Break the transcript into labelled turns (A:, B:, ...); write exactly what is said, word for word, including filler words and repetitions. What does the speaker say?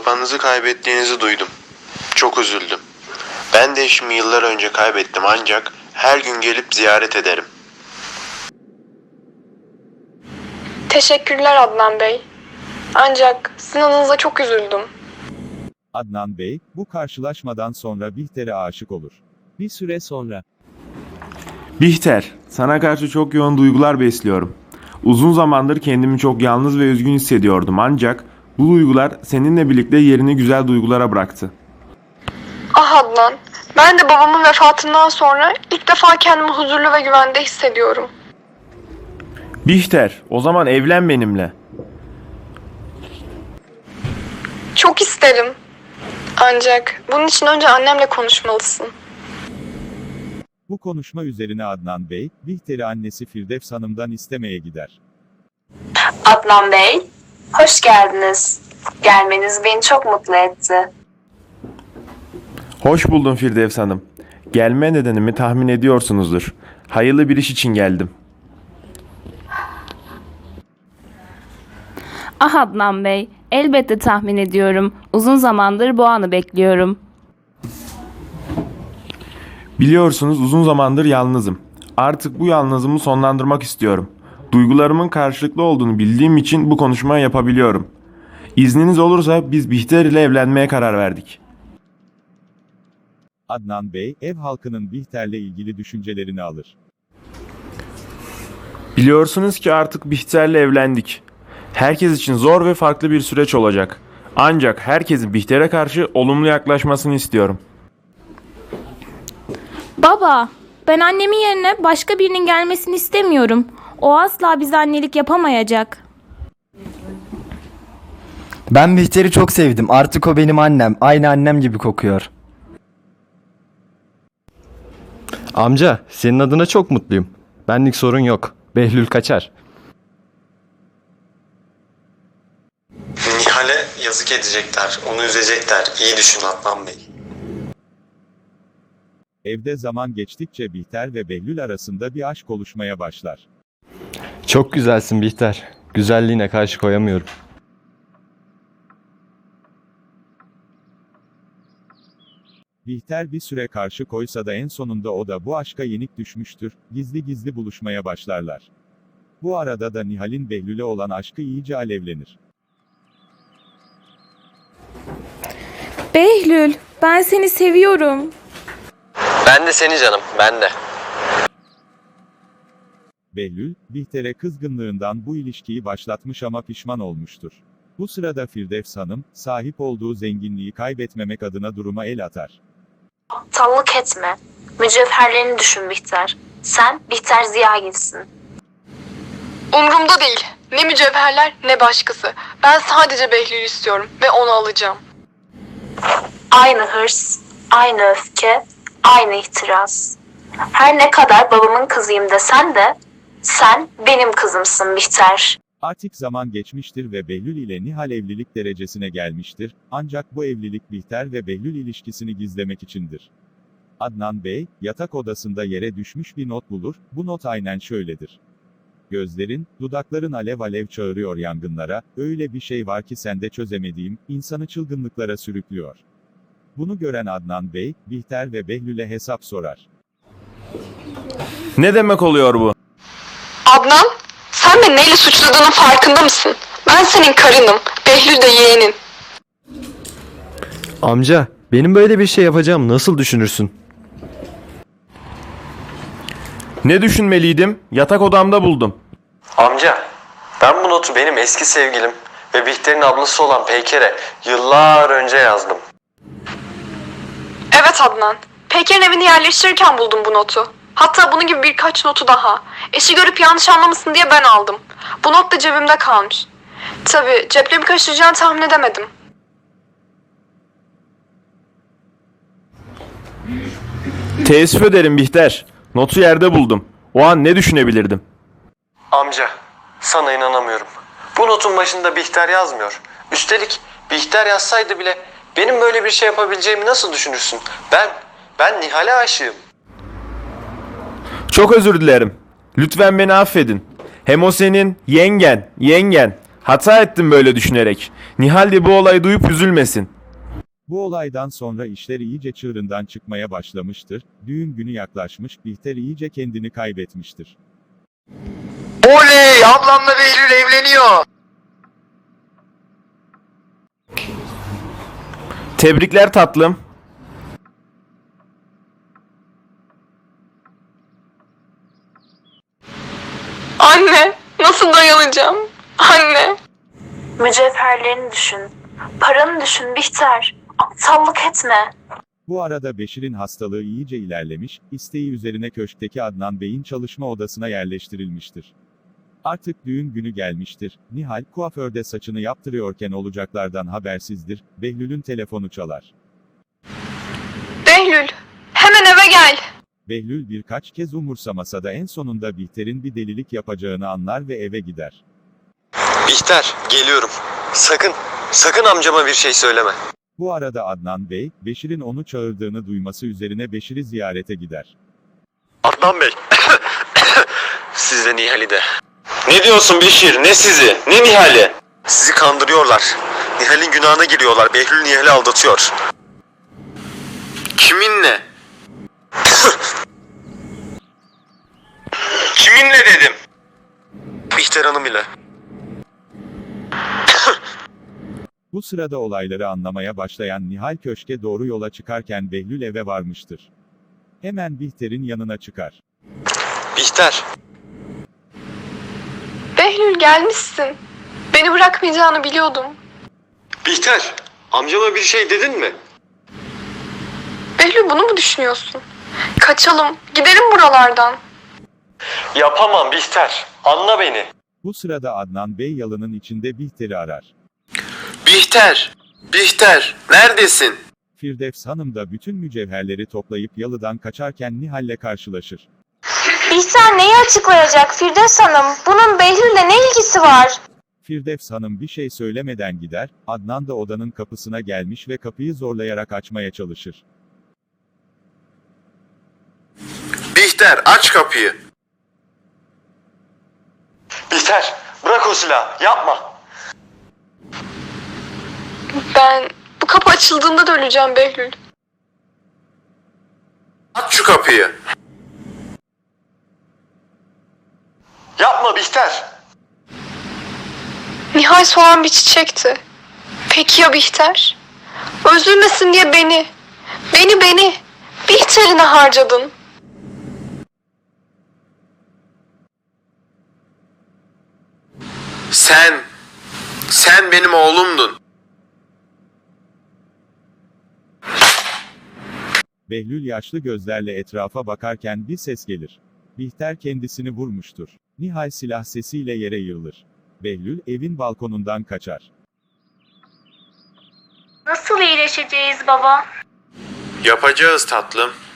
A: babanızı kaybettiğinizi duydum. Çok üzüldüm. Ben de eşimi yıllar önce kaybettim ancak her gün gelip ziyaret ederim.
B: Teşekkürler Adnan Bey. Ancak sizin adınıza çok üzüldüm.
C: Adnan Bey, bu karşılaşmadan sonra Bihter'e aşık olur. Bir süre sonra.
D: Bihter, sana karşı çok yoğun duygular besliyorum. Uzun zamandır kendimi çok yalnız ve üzgün hissediyordum ancak bu duygular seninle birlikte yerini güzel duygulara bıraktı.
B: Ah Adnan, ben de babamın vefatından sonra ilk defa kendimi huzurlu ve güvende hissediyorum.
D: Bihter, o zaman evlen benimle.
B: Çok isterim. Ancak bunun için önce annemle konuşmalısın.
C: Bu konuşma üzerine Adnan Bey, Bihter'i annesi Firdevs Hanım'dan istemeye gider.
E: Adnan Bey, hoş geldiniz. Gelmeniz beni çok mutlu etti.
D: Hoş buldum Firdevs Hanım. Gelme nedenimi tahmin ediyorsunuzdur. Hayırlı bir iş için geldim.
F: Ah Adnan Bey, elbette tahmin ediyorum. Uzun zamandır bu anı bekliyorum.
D: Biliyorsunuz uzun zamandır yalnızım. Artık bu yalnızlığımı sonlandırmak istiyorum. Duygularımın karşılıklı olduğunu bildiğim için bu konuşmayı yapabiliyorum. İzniniz olursa biz Bihter ile evlenmeye karar verdik.
C: Adnan Bey, ev halkının Bihter'le ilgili düşüncelerini alır.
D: Biliyorsunuz ki artık Bihter'le evlendik. Herkes için zor ve farklı bir süreç olacak. Ancak herkesin Bihter'e karşı olumlu yaklaşmasını istiyorum.
F: Baba, ben annemin yerine başka birinin gelmesini istemiyorum. O asla bize annelik yapamayacak.
G: Ben Bihter'i çok sevdim. Artık o benim annem. Aynı annem gibi kokuyor.
H: Amca, senin adına çok mutluyum. Benlik sorun yok. Behlül kaçar.
A: Nihal'e yazık edecekler, onu üzecekler. İyi düşün Adnan Bey.
C: Evde zaman geçtikçe Bihter ve Behlül arasında bir aşk oluşmaya başlar.
H: Çok güzelsin Bihter. Güzelliğine karşı koyamıyorum.
C: Bihter bir süre karşı koysa da en sonunda o da bu aşka yenik düşmüştür, gizli gizli buluşmaya başlarlar. Bu arada da Nihal'in Behlül'e olan aşkı iyice alevlenir.
F: Behlül, ben seni seviyorum.
I: Ben de seni canım, ben de.
C: Behlül, Bihter'e kızgınlığından bu ilişkiyi başlatmış ama pişman olmuştur. Bu sırada Firdevs Hanım, sahip olduğu zenginliği kaybetmemek adına duruma el atar.
E: Aptallık etme. Mücevherlerini düşün Bihter. Sen Bihter Ziyagil'sin.
B: Umrumda değil. Ne mücevherler ne başkası. Ben sadece Behlül'ü istiyorum ve onu alacağım.
E: Aynı hırs, aynı öfke, aynı ihtiras. Her ne kadar babamın kızıyım desen de sen benim kızımsın Bihter.
C: Artık zaman geçmiştir ve Behlül ile Nihal evlilik derecesine gelmiştir, ancak bu evlilik Bihter ve Behlül ilişkisini gizlemek içindir. Adnan Bey, yatak odasında yere düşmüş bir not bulur, bu not aynen şöyledir. Gözlerin, dudakların alev alev çağırıyor yangınlara, öyle bir şey var ki sende çözemediğim, insanı çılgınlıklara sürüklüyor. Bunu gören Adnan Bey, Bihter ve Behlül'e hesap sorar.
D: Ne demek oluyor bu?
B: Adnan, sen beni neyle suçladığının farkında mısın? Ben senin karınım, Behlül de yeğenin.
H: Amca, benim böyle bir şey yapacağım nasıl düşünürsün?
D: Ne düşünmeliydim? Yatak odamda buldum.
I: Amca, ben bu notu benim eski sevgilim ve Bihter'in ablası olan Peyker'e yıllar önce yazdım.
B: Evet Adnan, Peyker'in evini yerleştirirken buldum bu notu. Hatta bunun gibi birkaç notu daha. Eşi görüp yanlış anlamasın diye ben aldım. Bu not da cebimde kalmış. Tabii ceplemi kaçıracağını tahmin edemedim.
D: Teessüf ederim Bihter. Notu yerde buldum. O an ne düşünebilirdim?
I: Amca, sana inanamıyorum. Bu notun başında Bihter yazmıyor. Üstelik Bihter yazsaydı bile benim böyle bir şey yapabileceğimi nasıl düşünürsün? Ben, ben Nihal'e aşığım.
D: Çok özür dilerim. Lütfen beni affedin. Hem o senin yengen, yengen. Hata ettim böyle düşünerek. Nihal de bu olayı duyup üzülmesin.
C: Bu olaydan sonra işler iyice çığırından çıkmaya başlamıştır. Düğün günü yaklaşmış, Bihter iyice kendini kaybetmiştir.
A: Oley! Ablamla Behlül evleniyor.
D: Tebrikler tatlım.
B: Anne, nasıl dayanacağım? Anne.
E: Mücevherlerini düşün. Paranı düşün Bihter. Aptallık etme.
C: Bu arada Beşir'in hastalığı iyice ilerlemiş, isteği üzerine köşkteki Adnan Bey'in çalışma odasına yerleştirilmiştir. Artık düğün günü gelmiştir. Nihal, kuaförde saçını yaptırıyorken olacaklardan habersizdir. Behlül'ün telefonu çalar.
B: Behlül, hemen eve gel.
C: Behlül birkaç kez umursamasa da en sonunda Bihter'in bir delilik yapacağını anlar ve eve gider.
I: Bihter, geliyorum. Sakın, sakın amcama bir şey söyleme.
C: Bu arada Adnan Bey, Beşir'in onu çağırdığını duyması üzerine Beşir'i ziyarete gider.
I: Adnan Bey. Siz de Nihal'i de. Ne diyorsun Beşir? Ne sizi? Ne Nihal'i? Sizi kandırıyorlar. Nihal'in günahına giriyorlar. Behlül Nihal'i aldatıyor. Kiminle? Kiminle dedim. Bihter Hanım ile.
C: Bu sırada olayları anlamaya başlayan Nihal köşke doğru yola çıkarken Behlül eve varmıştır. Hemen Bihter'in yanına çıkar.
I: Bihter.
B: Behlül gelmişsin. Beni bırakmayacağını biliyordum.
I: Bihter. Amcama bir şey dedin mi?
B: Behlül bunu mu düşünüyorsun? Kaçalım, gidelim buralardan.
I: Yapamam Bihter. Anla beni.
C: Bu sırada Adnan Bey yalının içinde Bihter'i arar.
A: Bihter! Bihter! Neredesin?
C: Firdevs Hanım da bütün mücevherleri toplayıp yalıdan kaçarken Nihal'le karşılaşır.
E: Bihter neyi açıklayacak Firdevs Hanım? Bunun Behlül'le ne ilgisi var?
C: Firdevs Hanım bir şey söylemeden gider, Adnan da odanın kapısına gelmiş ve kapıyı zorlayarak açmaya çalışır.
A: Bihter aç kapıyı.
I: Bihter. Bırak o silahı. Yapma.
B: Ben bu kapı açıldığında da öleceğim Behlül.
A: Aç şu kapıyı.
I: Yapma Bihter.
B: Nihal soğan bir çiçekti. Peki ya Bihter? Üzülmesin diye beni, beni beni, Bihter'ine harcadın.
A: Sen, sen benim oğlumdun.
C: Behlül yaşlı gözlerle etrafa bakarken bir ses gelir. Bihter kendisini vurmuştur. Nihal silah sesiyle yere yığılır. Behlül evin balkonundan kaçar.
E: Nasıl iyileşeceğiz baba?
A: Yapacağız tatlım.